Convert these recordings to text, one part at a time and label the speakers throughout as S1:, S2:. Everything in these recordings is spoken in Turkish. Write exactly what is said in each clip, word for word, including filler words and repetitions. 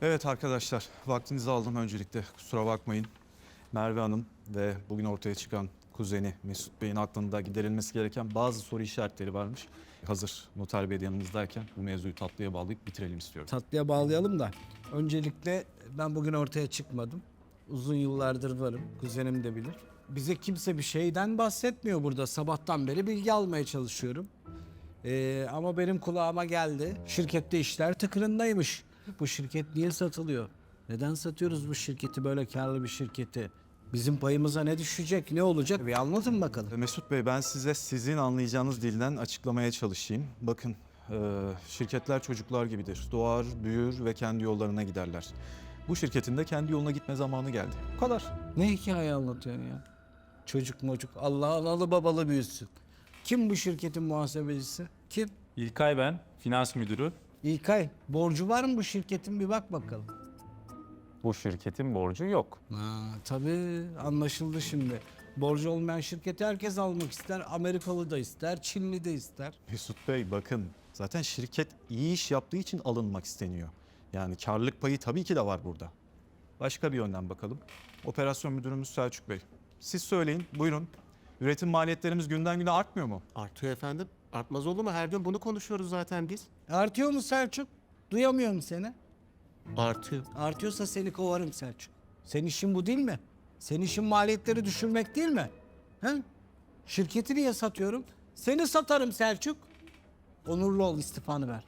S1: Evet arkadaşlar, vaktinizi aldım öncelikle. Kusura bakmayın. Merve Hanım ve bugün ortaya çıkan kuzeni Mesut Bey'in aklında giderilmesi gereken bazı soru işaretleri varmış. Hazır Noter Bey de yanımızdayken bu mevzuyu tatlıya bağlayıp bitirelim istiyorum.
S2: Tatlıya bağlayalım da öncelikle ben bugün ortaya çıkmadım. Uzun yıllardır varım. Kuzenim de bilir. Bize kimse bir şeyden bahsetmiyor burada. Sabahtan beri bilgi almaya çalışıyorum. Ee, ama benim kulağıma geldi. Şirkette işler tıkırındaymış. Bu şirket niye satılıyor? Neden satıyoruz bu şirketi, böyle karlı bir şirketi? Bizim payımıza ne düşecek, ne olacak? Bir anlatın bakalım.
S1: Mesut Bey, ben size sizin anlayacağınız dilden açıklamaya çalışayım. Bakın, e, şirketler çocuklar gibidir. Doğar, büyür ve kendi yollarına giderler. Bu şirketin de kendi yoluna gitme zamanı geldi. Bu kadar.
S2: Ne hikaye anlatıyorsun ya? Çocuk mocuk, Allah analı babalı büyüsün. Kim bu şirketin muhasebecisi? Kim?
S3: İlkay ben, finans müdürü.
S2: İlkay, borcu var mı bu şirketin, bir bak bakalım.
S3: Bu şirketin borcu yok.
S2: Ha, tabii anlaşıldı şimdi. Borcu olmayan şirketi herkes almak ister. Amerikalı da ister, Çinli de ister.
S1: Mesut Bey, bakın zaten şirket iyi iş yaptığı için alınmak isteniyor. Yani karlılık payı tabii ki de var burada. Başka bir yönden bakalım. Operasyon müdürümüz Selçuk Bey. Siz söyleyin, buyurun. Üretim maliyetlerimiz günden güne artmıyor mu?
S4: Artıyor efendim. Artmaz olur mu? Her gün bunu konuşuyoruz zaten biz.
S2: Artıyor mu Selçuk? Duyamıyorum seni.
S4: Artıyor.
S2: Artıyorsa seni kovarım Selçuk. Senin işin bu değil mi? Senin işin maliyetleri düşürmek değil mi? He? Şirketi niye satıyorum? Seni satarım Selçuk. Onurlu ol, istifanı ver.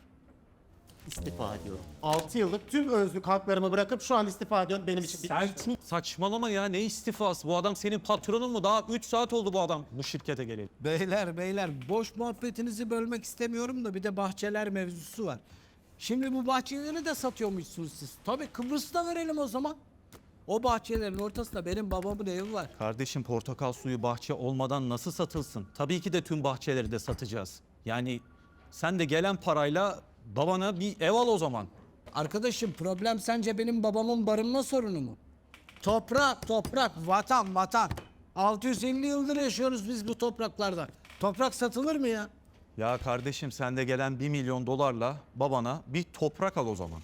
S4: İstifa ediyorum. altı yıllık tüm özlük haklarımı bırakıp şu an istifa ediyorum. Benim için
S5: Sen saçmalama ya, ne istifası? Bu adam senin patronun mu? Daha üç saat oldu bu adam bu şirkete geleli.
S2: Beyler beyler, boş muhabbetinizi bölmek istemiyorum da bir de bahçeler mevzusu var. Şimdi bu bahçeleri de satıyormuşsunuz siz. Tabii Kıbrıs'ta verelim o zaman. O bahçelerin ortasında benim babamın evi var.
S1: Kardeşim, portakal suyu bahçe olmadan nasıl satılsın?
S5: Tabii ki de tüm bahçeleri de satacağız. Yani sen de gelen parayla babana bir ev al o zaman.
S2: Arkadaşım, problem sence benim babamın barınma sorunu mu? Toprak, toprak, vatan, vatan. altı yüz elli yıldır yaşıyoruz biz bu topraklarda. Toprak satılır mı ya?
S1: Ya kardeşim, sen de gelen bir milyon dolarla babana bir toprak al o zaman.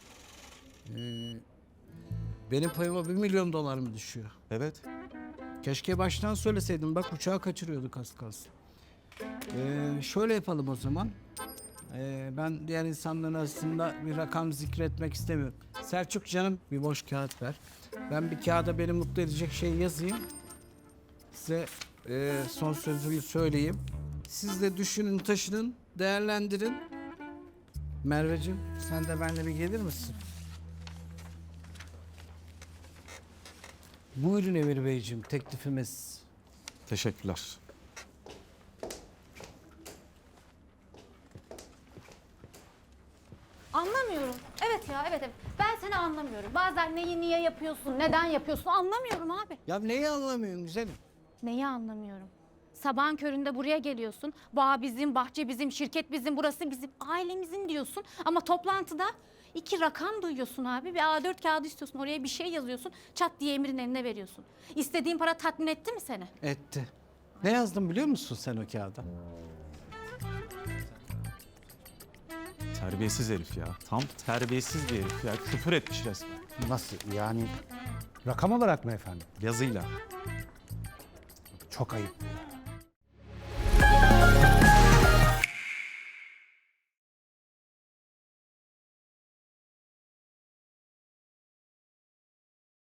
S2: Benim payıma bir milyon dolar mı düşüyor?
S1: Evet.
S2: Keşke baştan söyleseydim. Bak, uçağı kaçırıyorduk az kalsın. Ee, şöyle yapalım o zaman. Ee, ben diğer insanların arasında bir rakam zikretmek istemiyorum. Selçuk canım, bir boş kağıt ver. Ben bir kağıda beni mutlu edecek şey yazayım. Size e, son sözümü söyleyeyim. Siz de düşünün, taşının, değerlendirin. Merveciğim, sen de benimle bir gelir misin? Buyurun Emir Beyciğim, teklifimiz.
S1: Teşekkürler.
S6: Anlamıyorum. Evet ya, evet evet. Ben seni anlamıyorum. Bazen neyi niye yapıyorsun, neden yapıyorsun anlamıyorum abi.
S2: Ya neyi anlamıyorsun güzelim?
S6: Neyi anlamıyorum? Sabahın köründe buraya geliyorsun. Bağ bizim, bahçe bizim, şirket bizim, burası bizim, ailemizin diyorsun. Ama toplantıda iki rakam duyuyorsun abi. Bir A dört kağıdı istiyorsun, oraya bir şey yazıyorsun. Çat diye Emir'in eline veriyorsun. İstediğin para tatmin etti mi seni?
S2: Etti. Ne yazdım biliyor musun sen o kağıda?
S1: Terbiyesiz herif ya. Tam terbiyesiz bir herif ya. Küfür etmiş resmen.
S7: Nasıl yani, rakam olarak mı efendim?
S1: Yazıyla.
S7: Çok ayıp ya.